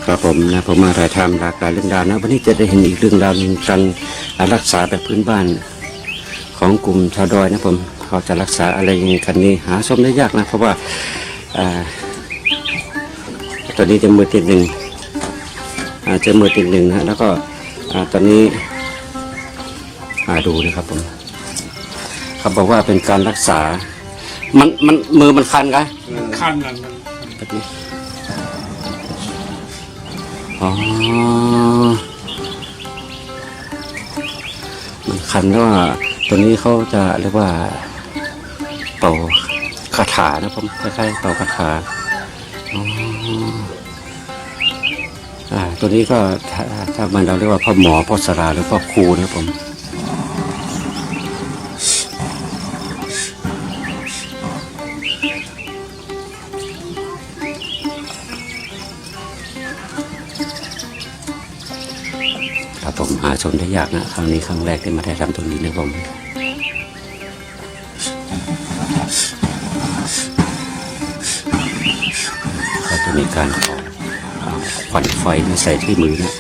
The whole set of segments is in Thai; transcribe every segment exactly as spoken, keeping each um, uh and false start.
ครับผมนะผมมาถ่ายทำหลากหลายเรื่องราวนะวันนี้จะได้เห็นอีกเรื่องราวหนึ่งการรักษาแบบพื้นบ้านของกลุ่มชาวดอยนะผมเขาจะรักษาอะไรยังไงกันนี้หาชมได้ยากนะเพราะว่าตอนนี้จะมือติดหนึ่งจะมือติดหนึ่งนะแล้วก็ตอนนี้ดูนะครับผมเขาบอกว่าเป็นการรักษามันมันมือมันคันกันคันนั่นอ๋อมันคันแล้วว่าตัวนี้เขาจะเรียกว่าเป่าคาถานะผมคล้ายๆเป่าคาถาอ๋ออ่าตัวนี้ก็ถ้าถ้ามันเราเรียกว่าพ่อหมอพ่อสราหรือพ่อครูนะผมผมหาชมได้ยากนะครั้งนี้ครั้งแรกที่มาได้ทำตรงนี้นะผมก็จะมีการขอควันไฟมาใส่ที่มือนะ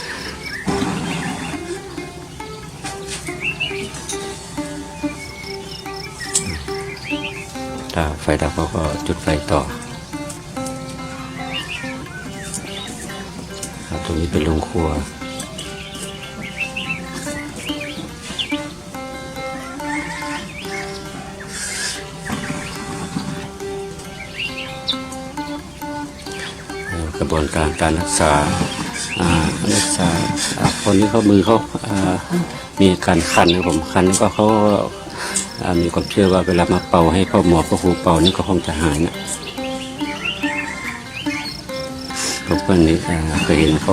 ถ้าไฟดับเขาก็จุดไฟต่อครับตรงนี้เป็นโรงครัวกระบวนการการรักษารักษาคนนี้เขามือเขามีการคันนะผมคันแล้วก็เขามีความเชื่อว่าเวลามาเป่าให้พ่อหมอพ่อครูเป่านี่ก็คงจะหายนะพวกคนนี้เคยเห็นเขา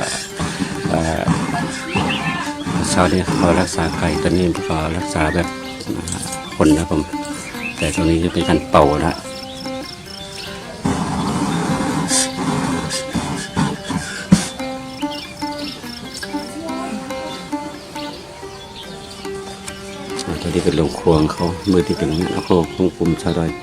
ชาวนี้เขารักษาไก่ตอนนี้ก็รักษาแบบคนนะผมแต่ตรงนี้จะเป็นการเป่าละตัวที่เป็นโรงครัวเขามือที่เป็นงานโคของกลุ่มชาวดอย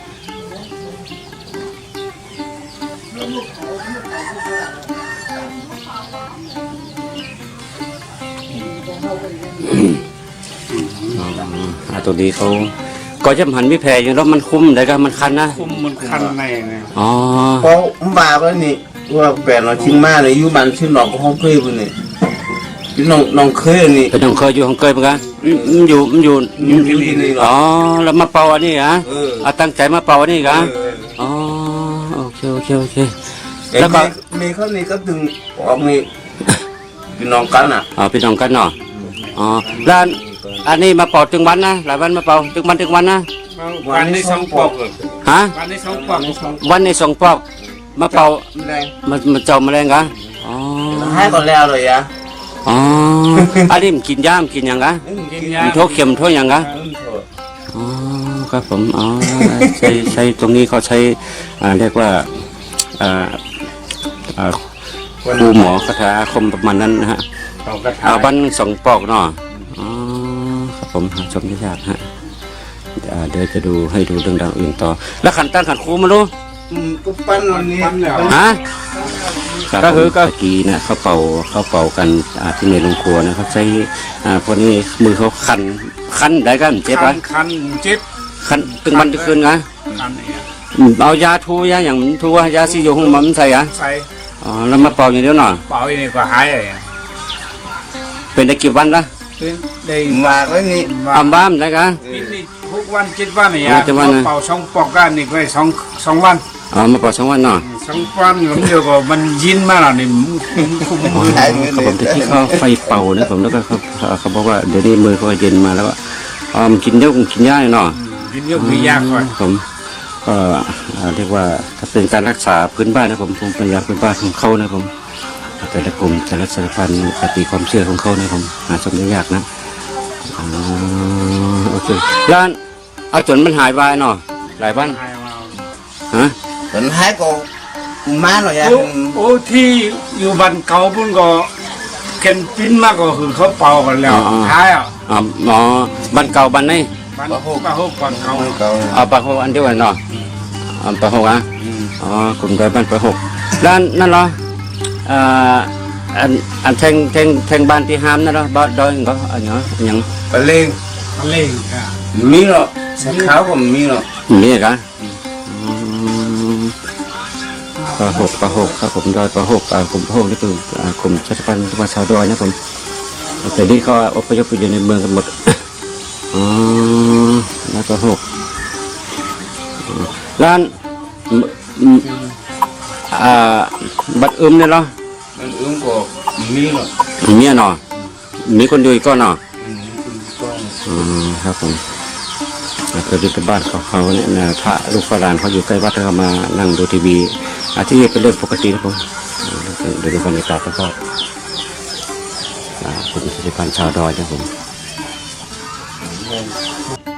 ตัวนี้เขาก็จะหันไม่แพ้อยู่แล้วมันคุ้มได้ก็มันคันนะคุ้มมันคันในเนี่ยอ๋อเพราะมาแล้วนี่ว่าแปลนเราชิงมาเลยอยู่บ้านชื่อหนองก็ห้องเคยปุ่นนี่พี่น้องน้องเคยนี่เป็นน้องเคยอยู่ห้องเคยเหมือนกันมันอยู่มันอยู่อยู่ที่นี่อ๋อแล้วมาเป่าอันนี้ฮะเอาตั้งใจมาเป่าอันนี้กันอ๋อโอเคโอเคโอเคแล้วก็มีเขานี่ก็ดึงออกนี่พี่น้องกันอ่ะอ๋อพี่น้องกันเนาะอ๋อแล้วอันนี้มาเป่าถึงวันนะหลายวันมาเป่าถึงวันถึงวันนะวันในสองปอกฮะวันในสองปอกวันในสองปอกมาเป่ามามาเจ้าแมลงกันอ๋อให้ก่อนแล้วเลยอ่ะอ๋ออันนี้มันกินย่ามกินยังกะมันโทษเข็มโทษยังกะอ๋อครับผมอ๋อใช้ใช้ตรงนี้เขาใช้เรียกว่าครูหมอคาถาอาคมประมาณนั้นนะฮะเอาบันสองปอกเนาะอ๋อครับผมชมได้ยากฮะเดี๋ยวจะดูให้ดูเรื่องราวอื่นต่อแล้วขันตั้งขันครูมาดูก็ปั้นวันนี้ฮะก็คือก็กีนะเขาเป่าเขาเป่ากันที่ในโรงครัวนะเขาใช้พวกนี้มือเขาคันคันได้กันเจ็บไหมคันเจ็บคันตึงวันตึงคืนไงเอายาทูยาอย่างทูยาซีโยหงมันใส่อะใส่อ๋อแล้วมาเป่าอย่างเดียวหน่อยเป่าอย่างนี้ก็หายเลยเป็นได้กี่วันละได้มาแล้วนี่อัมบ้ามได้กันหกวันเจ็ดวันเนี่ยเป่าสองปอกกันนี่ไปสองสองวันอ๋อมาเป่าสองวันเนาะสองวันผมเดียวก็มันยินมากแล้วนี่คุ้มเขาผมที่เขาไฟเป่านะผมแล้วก็เขาเขาบอกว่าเดี๋ยวนี้มือเขาเย็นมาแล้วอ๋อกินเยอะกินยากเนาะกินเยอะกินยากก่อนผมก็เรียกว่าถ้าเป็นการรักษาพื้นบ้านนะผมผมเป็นยาพื้นบ้านของเขานะผมแต่ละกลุ่มแต่ละสายพันธุ์ปฏิความเชื่อของเขานะผมหาชมได้ยากนะโอเคแล้วเอาจนมันหายไปเนาะหลายวันฮะจนหายก็มาหน่อยอ่ะโอ้ที่อยู่บ้านเก่าพุ่นก็เข็นปิ้นมากก็คือเขาเป่ากันแล้วหายอ่ะอ๋อบ้านเก่าบ้านไหนบ้านหกบ้านหกบ้านเก่าเอาบ้านหกอันเดียวกันเนาะบ้านหกอ่ะอ๋อกลุ่มใดบ้านบ้านหกด้านนั่นเหรออ่าอันอันแทงแทงแทงบ้านที่ห้ามนะเนาะบ้านดอยก็อันเนาะอันยังปลาเล่งเล่งค่ะมีหรอกใส่ขาวก็มีหรอกนี่กะปลาหกปลาหกครับผมดอยปลาหกปลาผมปลาหกนี่คือกลุ่มชาติพันธุ์มาชาวดอยนะผมแต่นี่เขาอพยพไปอยู่ในเมืองกันหมดอ๋อแล้วปลาหกร้านอ่าบัดอึมเนี่ยเนาะมันอึ้งก็มีหรอกเมียเนาะมีคนอยู่อีกก็เนาะอืมก็อืมครับผมเคยไปบ้านเขาเขาเนี่ยนะพระลูกฝรั่งเขาอยู่ใกล้วัดเขามานั่งดูทีวีอาที่นี่เป็นเรื่องปกตินะผมเดี๋ยวดูบรรยากาศก็คุณสิริพันธ์ชาวดอยนะผม